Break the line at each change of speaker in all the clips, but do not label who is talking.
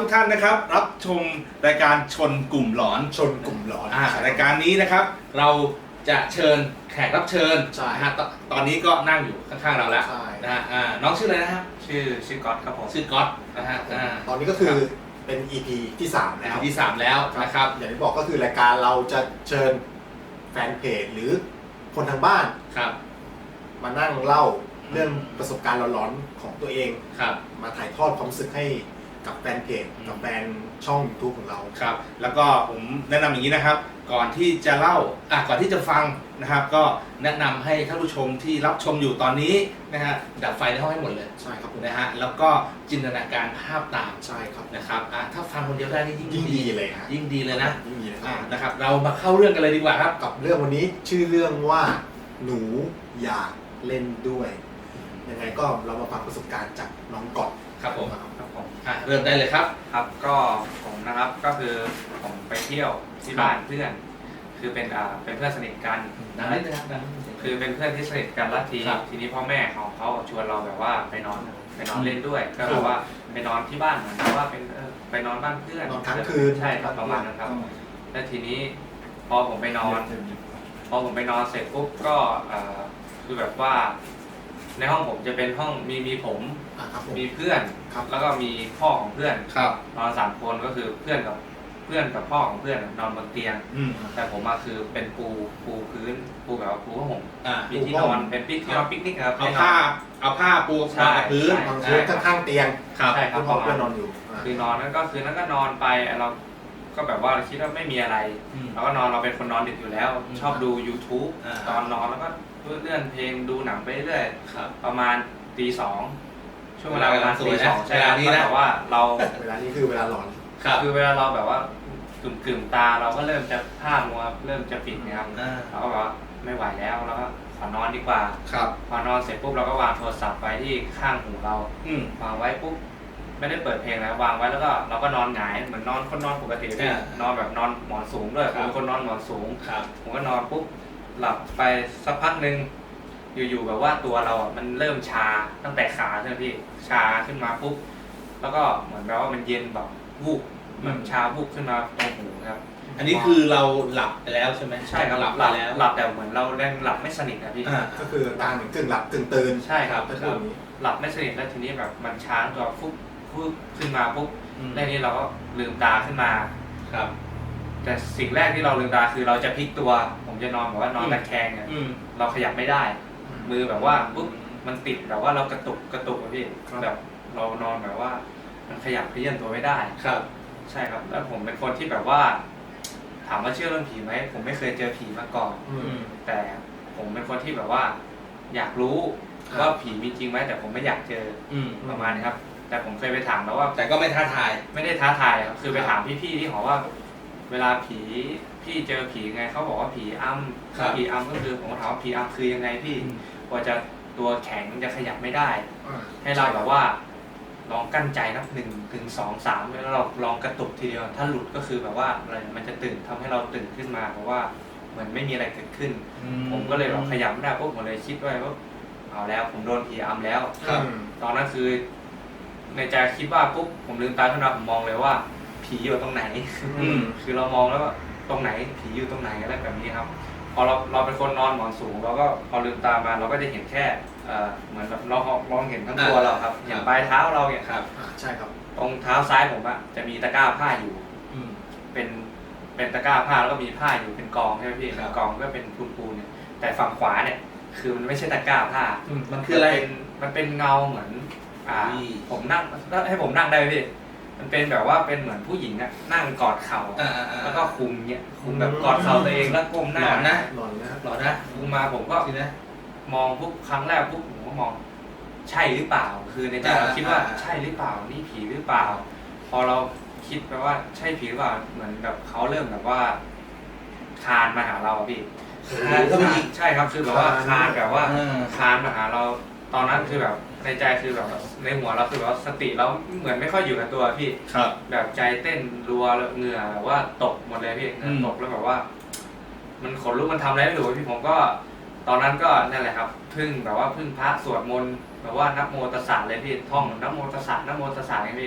กท่านนะครับรับชมรายการชนกลุ่มหลอน
ชนกลุ่มหลอน
รายการนี้นะครับเราจะเชิญแขกรับเชิญ
ใช่
นะฮะตอนนี้ก็นั่งอยู่ข้างๆเราแล้ว
ใช่
นะฮะน้องชื่ออะไรนะครับ
ชื่อก๊อตครับผม
ชื่อก๊อตนะฮะ
ตอนนี้ก็คือเป็น EP ที่3แล้ว
ที่ 3 แล้วนะครับ
อย่างที่บอกก็คือรายการเราจะเชิญแฟนเพจหรือคนทางบ้าน
ครับ
มานั่งเล่าเรื่องประสบการณ์หลอนๆของตัวเอง
ครับ
มาถ่ายทอดความรู้สึกให้กับแฟนเพจกับแฟนช่อง YouTube ของเรา
ครับแล้วก็ผมแนะนำอย่างนี้นะครับ ก่อนที่จะเล่าก่อนที่จะฟังนะครับ ก็แนะนำให้ท่านผู้ชมที่รับชมอยู่ตอนนี้นะฮะดับไฟในห้องให้หมดเลย
ใช่ครับผม
นะฮะแล้วก็จินตนาการภาพตาม
ใช่ครับ
นะครับถ้าฟังคนเดียวได้นี่ยิ่ง
ยิ่งดีเลยฮะ
ยิ่งดีเลยนะ
ยิ่งดีนะครับ
นะครับ เรามาเข้าเรื่องกันเลยดีกว่าครับ
กับเรื่องวันนี้ชื่อเรื่องว่าหนูอยากเล่นด้วยยังไงก็เรามาฟังประสบการณ์จากน้องก่อน
ครับผม
ครับผม
เริ่มได้เลยครับ
ครับก็ผมนะครับก็คือผมไปเที่ยวที่บ้านเพื่อน คือเป็นเพื่อนสนิทกัน
ดังนิดนึงครับดังนิดนึง
คือเป็นเพื่อนที่สนิทกันแล้วที
ครับ
ทีนี้พ่อแม่ของเขาชวนเราแบบว่าไปนอนเล่นด้วยก็แบบว่าไปนอนที่บ้านเหมือนกับว่าเป็นไปนอนบ้านเพื่อน
นอนค้างคืน
ใช่ครับประมาณนั้นครับแล้วทีนี้พอผมไปนอน เสร็จปุ๊บก็คือแบบว่าในห้องผมจะเป็นห้องมีผม
ครับผม
มีเพื่อน
ครับ
แล้วก็มีพ่อของเพื่อน
ครับ
นอน3 คนก็คือเพื่อนกับพ่อของเพื่อนนอนบนเตียง แต่ผมมาคือเป็นปูพื้นปูแบบว่าปูผ้าห่มมีที่นอนเป็นที่นอนปิกนิกครับ
เอาผ้าปู
ใช่
กับพื้น
นอนพื้นข้างๆเตียง
ครับ
ใช่ครับ
คุณพ่อเพื่อนนอนอยู่
คือนอนนั้นก็คือนั้นก็นอนไปเราก็แบบว่าคิดว่าไม่มีอะไรเราก็นอนเราเป็นคนนอนดึกอยู่แล้ว ชอบดู YouTube ตอนนอนแล้วก็เลื่อนเพลงดูหนังไปเรื่อย
ครับ
ประมาณตี 2ช่วงเวลาประมาณตี 2ใช่ครับ
เวลานี้นะ
แต่ว่าเรา
เวลานี้คือเวลาหลอน
คือเวลาเราแบบว่ากึ่มตาเราก็เริ่มจะผ้ามัวเริ่มจะปิดนะครับเราก็แบบว่าไม่ไหวแล้วเราก็ขอนอนดีกว่า
ครับ
พอนอนเสร็จปุ๊บเราก็วางโทรศัพท์ไว้ที่ข้างหูเรา วางไว้ปุ๊บไม่ได้เปิดเพลงแล้ววางไว้แล้วก็เราก็นอนหงายเหมือนนอนคนนอนปกติพี่นอนแบบนอนหมอนสูงด้วยผมเป็นคนนอนหมอนสูง
ครับ
ผมก็นอนปุ๊บหลับไปสักพักหนึ่งอยู่ๆแบบว่าตัวเรามันเริ่มชาตั้งแต่ขาใช่ไหมพี่ชาขึ้นมาปุ๊บแล้วก็เหมือนแบบว่ามันเย็นแบบวูบมันชาวูบขึ้นมาตรงหูครับ
อันนี้คือเราหลับไปแล้วใช่ไหม
ใช่ครับ
หลับไปแล้ว
หลับแต่เหมือนเรายังหลับไม่สนิทนะพี่
ก็คือตาเหมือนกึ่งหลับกึ่งตื่น
ใช่ครับ
ถ้าพูดอย่างนี้
หลับไม่สนิทแล้วทีนี้แบบมันช้าตัวฟุบขึ้นมาปุ๊บแล้วนี้เราก็ลืมตาขึ้นมา
ครับ
แต่สิ่งแรกที่เราลืมตาคือเราจะพลิกตัว ผมจะนอนแบบว่านอนตะแคงเนี่ยเราขยับไม่ได้ มือแบบว่าปุ๊บมันติดแบบว่าเรากระตุกอะพี่แบบเรานอนแบบว่ามันขยับเขยื่อนตัวไม่ได้
ครับ
ใช่ครับแล้วผมเป็นคนที่แบบว่า ถามว่าเชื่อเรื่องผีไหมผมไม่เคยเจอผีมาก่อน แต่ผมเป็นคนที่แบบว่า อยากรู้ว่าผีมีจริงไหมแต่ผมไม่อยากเจอประมาณนี้ครับ แต่ผมเคยไปถามแล้วว่า
แต่ก็ไม่ท้าทาย
ไม่ได้ท้าทายครับคือไปถามพี่ๆที่หอว่า เวลาพี่เจอผีไงเขาบอกว่าผีอำผีอำก็คือผมก็ถามว่าผีอำคือยังไงพี่กว่าจะตัวแข็งจะขยับไม่ได้ ให้เราแบบว่าลองกั้นใจนับ1 ถึง 2 3แล้วเราลองกระตุกทีเดียวถ้าหลุดก็คือแบบว่าอะไรมันจะตื่นทำให้เราตื่นขึ้นมาเพราะว่าเหมือนไม่มีอะไรเกิดขึ้น ผมก็เลยแบบขยับไม่ได้ปุ๊บผมเลยคิดว่าเอาแล้วผมโดนผีอำแล้ว ตอนนั้นคือในใจคิดว่าปุ๊บผมลืมตาขึ้นมาผมมองเลยว่า ผีอยู่ตรงไหน คือเรามองแล้วว่าตรงไหนผีอยู่ตรงไหนอะไรแบบนี้ครับ พอเราเป็นคนนอนหมอนสูงเราก็พอลืมตามาเราก็จะเห็นแค่เหมือนแบบเรามองเห็นทั้งตัวเราครับเห็นปลายเท้าเราเนี่ย
ครับ
ใช่ครับ
ตรงเท้าซ้ายผมอะจะมีตะกร้าผ้าอยู่เป็นตะกร้าผ้าแล้วก็มีผ้าอยู่เป็นกองใช่ไหมพี่กองก็เป็นปูนเนี่ยแต่ฝั่งขวาเนี่ยคือมันไม่ใช่ตะกร้าผ้า
มันคืออะไร
มันเป็นเงาเหมือนผมนั่งให้ผมนั่งได้ไหมพี่มันเป็นแบบว่าเป็นเหมือนผู้หญิงอะนั่งกอดเข่าแล้วก็คุมเนี่ยคุมแบบกอดเข่าตัวเองแล้วก้มหน้า
หลอนนะ
หลอนนะครับ
หลอนนะ
คุมมาผมก็
สินะ
มองปุ๊บครั้งแรกปุ๊บผมก็มองใช่หรือเปล่า คือในใจเราคิดว่าใช่หรือเปล่านี่ผีหรือเปล่า พอเราคิดไปว่าใช่ผีหรือเปล่าเหมือนแบบเขาเริ่มแบบว่าคานมาหาเราอะพี่ใช่ครับคือแบบว่าคานแบบว่าคานมาหาเราตอนนั้นคือแบบในใจคือแบบในหัวเราคือแบบสติเราเหมือนไม่ค่อยอยู่กับตัวพี่
ครับ
แบบใจเต้นรัวเหงื่อแบบว่าตกหมดเลยพี่เหงื่อตกแล้วแบบว่า มันขนลุกมันทำอะไรไม่รู้พี่ผมก็ ตอนนั้นก็นั่นแหละครับพึ่งแบบว่าพึ่งพระสวดมนต์แบบว่านะโมตัสสะเลยพี่ท่องนะโมตัสสะนะโมตัสสะไงพี่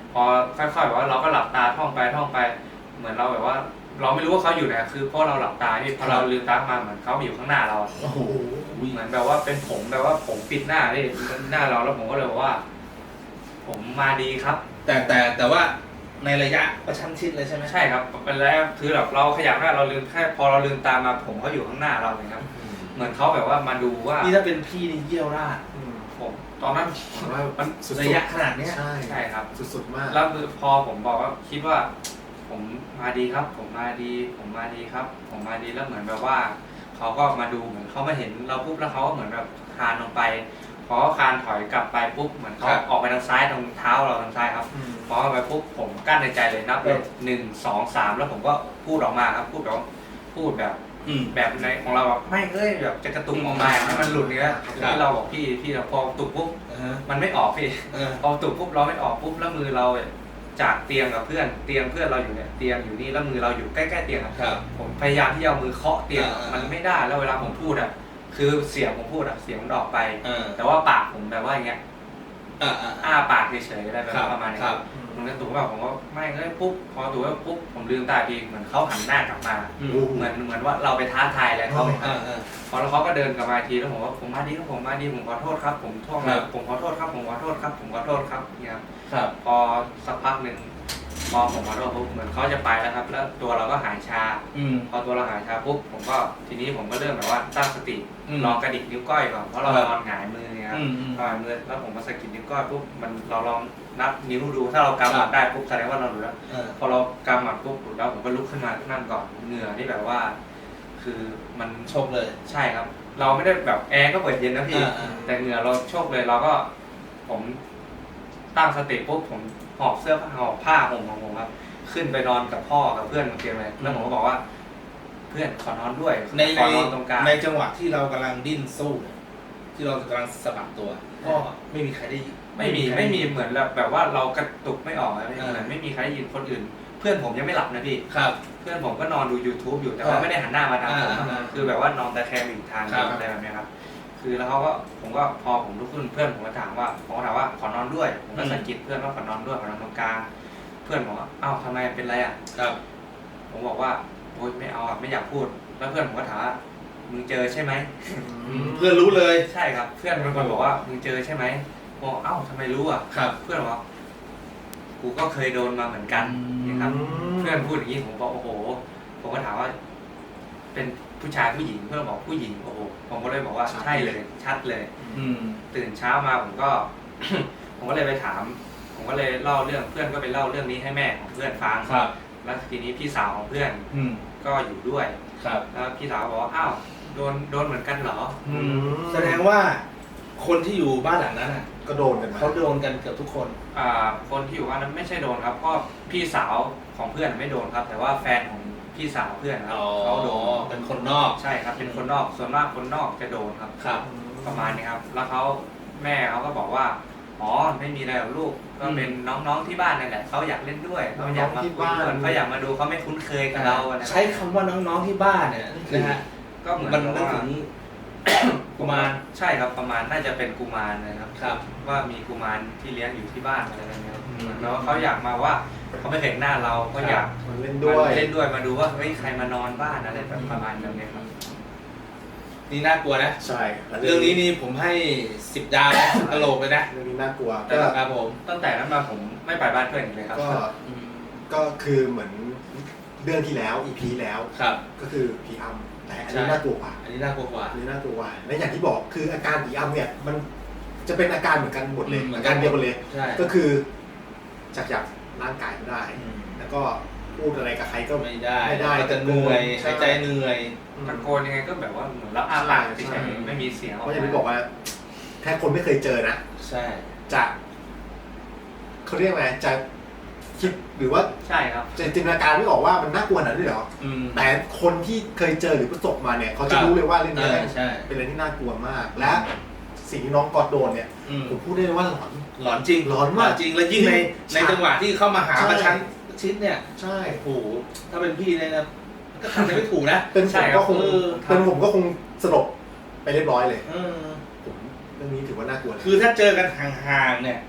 พอค่อยๆแบบว่าเราก็หลับตาท่องไปเหมือนเราแบบว่า เราไม่รู้ว่าเขาอยู่ไหนคือเพราะเราหลับตาพี่พอเราลืมตามาเหมือนเขาอยู่ข้างหน้าเรา
โอ้โห
เหมือนแบบว่าเป็นผมแบบว่าผมปิดหน้าพี่หน้าเราแล้วผมก็เลยบอกว่า ผมมาดีครับ
แต่ว่าในระยะประชันชิดเลยใช่ไหม
ใช่ครับเป็นแล้วคือแบบเราขยับหน้าเราลืมแค่พอเราลืมตามาผมเขาอยู่ข้างหน้าเราเลยครับ เหมือนเขาแบบว่ามาดูว่า
นี่ถ้าเป็นพี่นี่เยี่ยวราด
ผมตอนนั้น
ว่ามันสุดๆ
ระยะขนาดเนี้ย
ใช่
ใช่ครับ
สุดๆมาก
แล้วพอผมบอกว่าคิดว่า ผมมาดีครับ ผมมาดีครับ ผมมาดีแล้วเหมือนแบบว่าเขาก็มาดูเหมือนเขามาเห็นเราปุ๊บแล้วเขาก็เหมือนแบบคลานลงไปพอคลานถอยกลับไปปุ๊บเหมือนเขาออกไปทางซ้ายตรงเท้าเราทางซ้ายครับ พอไปปุ๊บผมกั้นในใจเลยนับเลย1 2 3แล้วผมก็พูดออกมาครับพูดแบบแบบในของเราแบบไม่แบบจะกระตุกออกมาให้มันหลุดเนื้อที่เราบอกพี่พอตุกปุ๊บมันไม่ออกพี่พอตุกปุ๊บเราไม่ออกปุ๊บแล้วมือเราจากเตียงกับเพื่อนเราอยู่เนี่ยเตียงอยู่นี่แล้วมือเราอยู่ใกล้ๆเตียงครับผมพยายามที่จะเอามือเคาะเตียงมันไม่ได้แล้วเวลาผมพูดคือเสียงผมพูดเสียงมันออกไปแต่ว่าปากผมแบบว่าอย่างเงี้ยอ้าปากเฉยๆอะไรแบบประมาณนี้มันก็ตุกแบบผมก็ไม่ปุ๊บพอตุกแล้วปุ๊บผมลืมตาทีเหมือนเขาหันหน้ากลับมาเหมือนว่าเราไปท้าทายอะไรเขาพอแล้วเขาก็เดินกลับมาทีแล้วผมว่าผมมาดีครับผมขอโทษครับผมท่องเลยผมขอโทษครับเนี่ยครับพอสักพักหนึ่งพอผมขอโทษปุ๊บเหมือนเขาจะไปแล้วครับแล้วตัวเราก็หายชาพอตัวเราหายชาปุ๊บผมก็ทีนี้ผมก็เริ่มแบบว่าตั้งสติลองกระดิกนิ้วก้อยก่อนเพราะเรานอนหงายมือเนี่ยครับหงายมือแล้วผมมาสะกิดนิ้วก้อยปุ๊บมันเราลองนับนิ้วดูถ้าเรากำหมัดได้ปุ๊บแสดงว่าเราหลุดแล้วพอเรากำหมัดปุ๊บหลุดแล้วผมก็ลุกขึ้นมานั่งก่อนเหงื่อที่แบบว่า คือมัน
ชกเลย
ใช่ครับ เราไม่ได้แบบแอร์ก็เปิดเย็นนะพี่แต่เหงื่อเราโชกเลยเราก็ผมตั้งสติปุ๊บผมหอบเสื้อหอบผ้าห่มของผมครับขึ้นไปนอนกับพ่อกับเพื่อนบนเตียงเลยแล้วผมก็บอกว่า เพื่อนขอนอนด้วยขอนอนตรงกลาง
ในจังหวะที่เรากำลังดิ้นสู้ที่เรากำลังสะบัดตัวก็ไม่มีใครได้ยิน
ไม่มีเหมือนแบบว่าเรากระตุกไม่ออกอะไรไม่มีใครได้ยินคนอื่น เพื่อนผมยังไม่หลับนะพี่
ครับ
เพื่อนผมก็นอนดู YouTube อยู่แต่ว่าไม่ได้หันหน้ามาทางผมคือแบบว่านอนตะแคงอยู่ทางอะไรแบบนี้ครับคือแล้วเขาก็ผมก็พอผมลุกขึ้นเพื่อนผมก็ถามว่าขอนอนด้วยผมก็สะกิดเพื่อนว่าขอนอนด้วยขอนอนตรงกลางเพื่อนบอกว่าอ้าวทำไมเป็นไร
ครับ
ผมบอกว่าโอ๊ยไม่เอาไม่อยากพูดแล้วเพื่อนผมก็ถามว่ามึงเจอใช่ไหม
เพื่อนรู้เลย
ใช่ครับเพื่อนเป็นคนบอกว่ามึงเจอใช่ไหมบอกเอ้าทำไมรู้
ครับ
เพื่อนบอกกูก็เคยโดนมาเหมือนกันนะครับเพื่อนพูดอย่างนี้ผมบอกโอ้โหผมก็ถามว่าเป็นผู้ชายผู้หญิงเพื่อนบอกผู้หญิงโอ้โหผมก็เลยบอกว่าใช่เลยชัดเลยตื่นเช้ามาผมก็ ผมก็เลยไปถามผมก็เลยเล่าเรื่องเพื่อนก็ไปเล่าเรื่องนี้ให้แม่ของเพื่อนฟังแล้วทีนี้พี่สาวของเพื่อนก็อยู่ด้วยแล้วพี่สาวบอกว่าอ้าวโดนเหมือนกันเหรอ
แสดงว่าคนที่อยู่บ้านหลังนั้น
ก็โดนกัน
เขาโดนกันเกือบทุกคน
คนที่อยู่บ้านนั้นไม่ใช่โดนครับก็พี่สาวของเพื่อนไม่โดนครับแต่ว่าแฟนของพี่สาวเพื่อนครับเขาโดน
เป็นคนนอก
ใช่ครับเป็นคนนอกส่วนมากคนนอกจะโดนครับประมาณนี้ครับแล้วแม่เขาก็บอกว่าอ๋อไม่มีอะไรหรอกลูกก็เป็นน้องๆที่บ้านนั่นแหละเขาอยากเล่นด้วยเขาอยากมาคุยด้วยเขาอยากมาดูเขาไม่คุ้นเคยกับเรา
ใช้คำว่าน้องๆที่บ้านเนี่ยนะฮะ
ก็เหมือน
มันนึกถึงกุมาร
ใช่ครับประมาณน่าจะเป็นกุมารนะครับ
ครับ
ว่ามีกุมารที่เลี้ยงอยู่ที่บ้านอะไรแบบนี้แล้วเขาอยากมาว่าเขาไม่เห็นหน้าเราก็อยาก
เล่นด้วย
มาดูว่าเฮ้ยใครมานอนบ้านอะไรแบบประมาณนี้ครับ
นี่น่ากลัวนะ
ใช่
เรื่องนี้นี่ผมให้10 ดาวตลกเลยนะ
เรื่องนี้น่ากลัว
ครับผม
ตั้งแต่นั้นมาผมไม่ไปบ้านเพื่อนอีกเลยครับ
ก็คือเหมือนเรื่องที่แล้ว EP แล้วก็คือผีอำแต่อันนี้น่ากลัวกว่า
อันนี้น่ากลัวกว่า
และอย่างที่บอกคืออาการผีอำเนี่ยมันจะเป็นอาการเหมือนกันหมดเลยอาการเดียวกันเลยก็คือจากร่างกายไม่ได้แล้วก็พูดอะไรกับใครก็
ไม่ได้จะเหนื่อยหายใจเหนื่อย
ตะโกนยังไงก็แบบว่าเหมือนรับอาปากเฉยๆไม่มีเสียง
เพราะอย่างที่บอกว่าแค่คนไม่เคยเจอนะ
ใช่
จะเขาเรียกไงจะคิดหรือว่า
ใช่ครับ
จะจินตนาการไม่ออกว่ามันน่ากลัวขนาดนี้เหรอแต่คนที่เคยเจอหรือประสบมาเนี่ยเขาจะรู้เลยว่าเรื่องนี้เป็นอะไรที่น่ากลัวมากและสิ่งที่น้องกอดโดนเนี่ยผมพูดได้เลยว่า
หลอนจริง
หลอนมาก
จริงแล้วยิ่งในจังหวะที่เข้ามาหาประชันชิดเนี่ย
ใช่
โอ้โหถ้าเป็นพี่เลยนะก็ทำไม่ถูกนะ
เป็นผมก็คงสลบไปเรียบร้อยเลยผมเรื่องนี้ถือว่าน่ากลัว
คือถ้าเจอกันห่างๆเนี่ย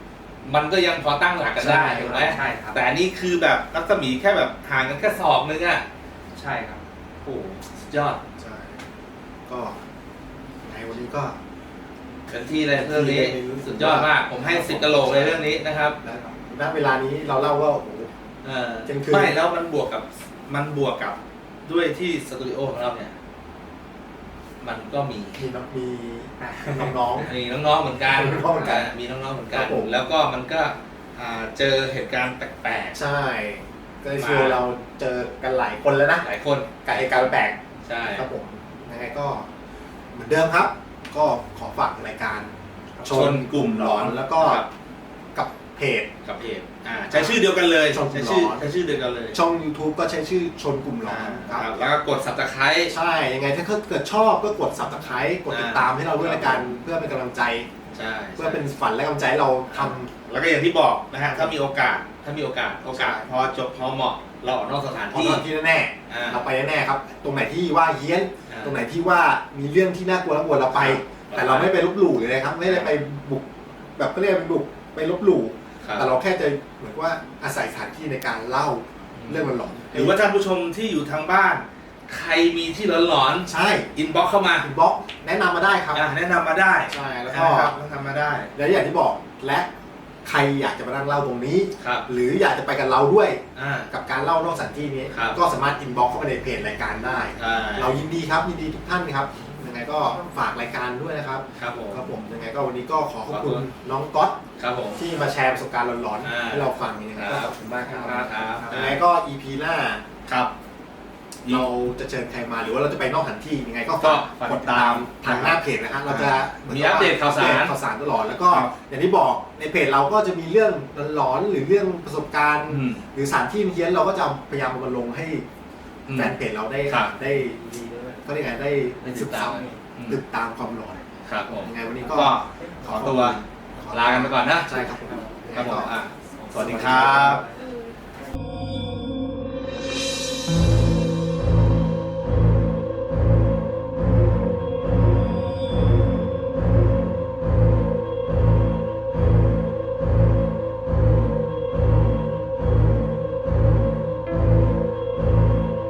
มันก็ยังพอตั้งหลักกันได้ถูกไหม
ใช่ครับ
แต่อันนี้คือแบบรัศมีแค่แบบห่างกันแค่ศอกนึงอ่ะ
ใช่ครับ
โอ้โหสุดยอด
ใช่ก็ในวันนี้ก็
เป็นที่เลยเรื่องนี้สุดยอดมากผมให้10กะโหลกเลยเรื่องนี้นะครับ
ณเวลานี้เราเล่าว่าโอ้โห เที่ยงคืน
ไม่แล้วมันบวกกับด้วยที่สตูดิโอของเราเนี่ยมันก็มี
น้อง
มีน้องๆเหมือนกัน
น้องๆเหมือนกัน
มีน้องๆเหมือนกั
ครั
น
บผม
แล้วก็มันก็เจอเหตุการณ์แปลก
ๆใช่ก็เลยคือเราเจอกันหลายคนแล้วนะ
ๆหลายคน
กับเหตุการณ์แปลก
ใช่
ครับผมยังไงก็เหมือนเดิมครับ ก็ขอฝากรายการ
ชนกลุ่มหลอน
แล้วก็กับเพจ
กับเพจใช้ชื่อเดียวกันเลย
ชนกลุ่
ใช้
มหลอน
ใช้ชื่อเดียวกันเลย
ช่อง YouTube ก็ใช้ชื่อชนกลุ่มหลอนค
ค
รั
รับบ แล้วก็กด Subscribe
ใช่ยังไงถ้าเกิดชอบก็กด Subscribe กดติดตามให้เราด้วยละกันเพื่อเป็นกำลังใจ
ใช่
เพื่อเป็นฝันและกำลังใจให้เราทำ
แล้วก็อย่างที่บอกนะฮะถ้ามีโอกาสพอจบพอเหมาะเราออกนอกสถาน
ที่
ที่
ที่แน่
อ่า
ๆเราไปแน่ๆครับ ตรงไหนที่ว่าเฮี้ยน
อ่า
ตรงไหนที่ว่ามีเรื่องที่น่ากลัวเราไป แต่เราไม่ไปลบหลู่เลยนะครับ ไม่ได้ไปบุกแบบก็เรียกไปบุกไปลบหลู่
ครับ
แต่เราแค่จะเหมือนว่าอาศัยสถานที่ในการเล่าเรื่องหลอนๆ
หรือว่าท่านผู้ชมที่อยู่ทางบ้าน ใครมีที่หลอน
ใช่
ๆอินบ็อกเข้ามา
อินบ็อกซ์แนะนำมาได้ครับ
แนะนำมาได้
ใช่แล้วก็
นะครับแนะนำมาได้
และอย่างที่บอกและใครอยากจะมานั่งเล่าตรงนี้
ครับ
หรืออยากจะไปกับเราด้วย
อ่า
กับการเล่านอกสถานที่นี้
ครับ
ก็สามารถอินบ็อกซ์เข้ามาในเพจรายการได้
ใช่
เรายินดีครับยินดีทุกท่านครับยังไงก็ฝากรายการด้วยนะครับ
ครับผม
ครับผมยังไงก็วันนี้ก็ขอขอบคุณ
ขอบคุณ
น้องก๊อต
ครับผม
ที่มาแชร์ประสบการณ์หลอน
อ่า
ๆให้เราฟังยังไงก็
ครับ
ขอบคุณมากครับ
ครับ
ยังไงก็ EP หน้า
ครับ
เราจะเชิญใครมาหรือว่าเราจะไปนอกสถานที่ยังไงก็
ก็
ฝาก
ฝาก
กดตามทางหน้าเพจนะฮะเราจะหน
มีอัปเดตข่าวสาร
อัปเดตข่าวสารตลอดแล้วก็
ครับ
อย่างที่บอกในเพจเราก็จะมีเรื่องหลอนๆหรือเรื่องประสบการณ์
อืม
หรือสถานที่เฮี้ยนเราก็จะพยายามเอามาลงให้
อืม
แฟนเพจเราได้
ครับ
ได้ก็เรียกไงได้
ได้ติ
ศึ
ด
ก
ตา
ษาม ติดตามความหลอน
ครับผม
ยังไงวันนี้ก็
ก็ขอตัวลากันไปก่อนนะ
ใช่ครับผม
ครับผม
ยังไงก็
สวัสดีครับ